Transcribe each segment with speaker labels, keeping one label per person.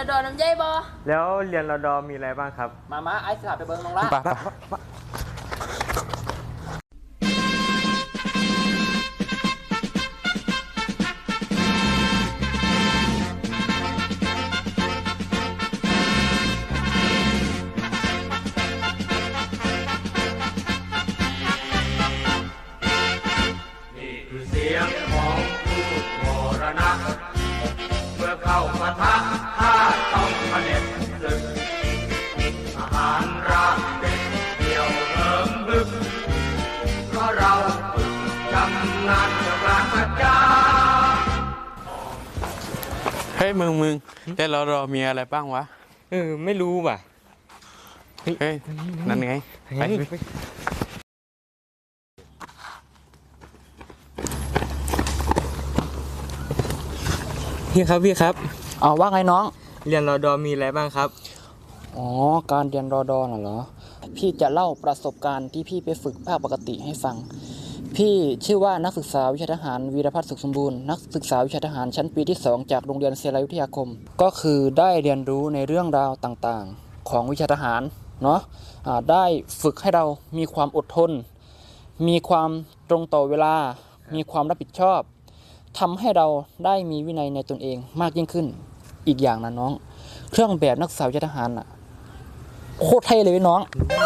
Speaker 1: ดอน้ำใจบ่
Speaker 2: แล้วเรียนรดมีอะไรบ้างครับ
Speaker 3: มาไอ้สลับไปเบิ้งน้องละ
Speaker 4: นี่คือเสียงของผู้มรณะเมื่อเข้าปะทะข้าต้องเผด็จศึกทหารราบเป็นเดี่ยวเหิมบึกเพราะเราฝึกชำนาญจากการประจา
Speaker 5: เฮ้ยมึงแต่เรามีอะไรบ้างวะ
Speaker 2: ไม่รู้ว่ะ
Speaker 5: เฮ้ยนั่นไงไป
Speaker 2: พี่ครับ
Speaker 3: เอาว่าไงน้อง
Speaker 2: เรียนรดมีอะไรบ้างครับ
Speaker 3: อ๋อการเรียนรอดอน่ะเหรอพี่จะเล่าประสบการณ์ที่พี่ไปฝึกภาคปกติให้ฟังพี่ชื่อว่านักศึกษาวิชาทหารวีรพัฒน์สุขสมบูรณ์นักศึกษาวิชาทหารชั้นปีที่2จากโรงเรียนศิลาวิทยาคมก็คือได้เรียนรู้ในเรื่องราวต่างๆของวิชาทหารเนาะได้ฝึกให้เรามีความอดทนมีความตรงต่อเวลามีความรับผิดชอบทำให้เราได้มีวินัยในตนเองมากยิ่งขึ้นอีกอย่างนะน้องเครื่องแบบนักศึกษาวิชาทหารน่ะโคตรเท่เลยน้อง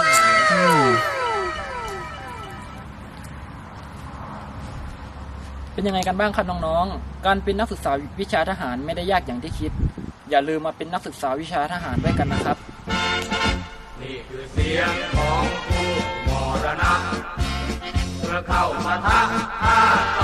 Speaker 3: เป็นยังไงกันบ้างครับน้องๆการเป็นนักศึกษาวิชาทหารไม่ได้ยากอย่างที่คิดอย่าลืมมาเป็นนักศึกษาวิชาทหารด้วยกันนะครับ
Speaker 4: นี่คือเสียงของผู้มรณะเมื่อเข้าปะทะข้า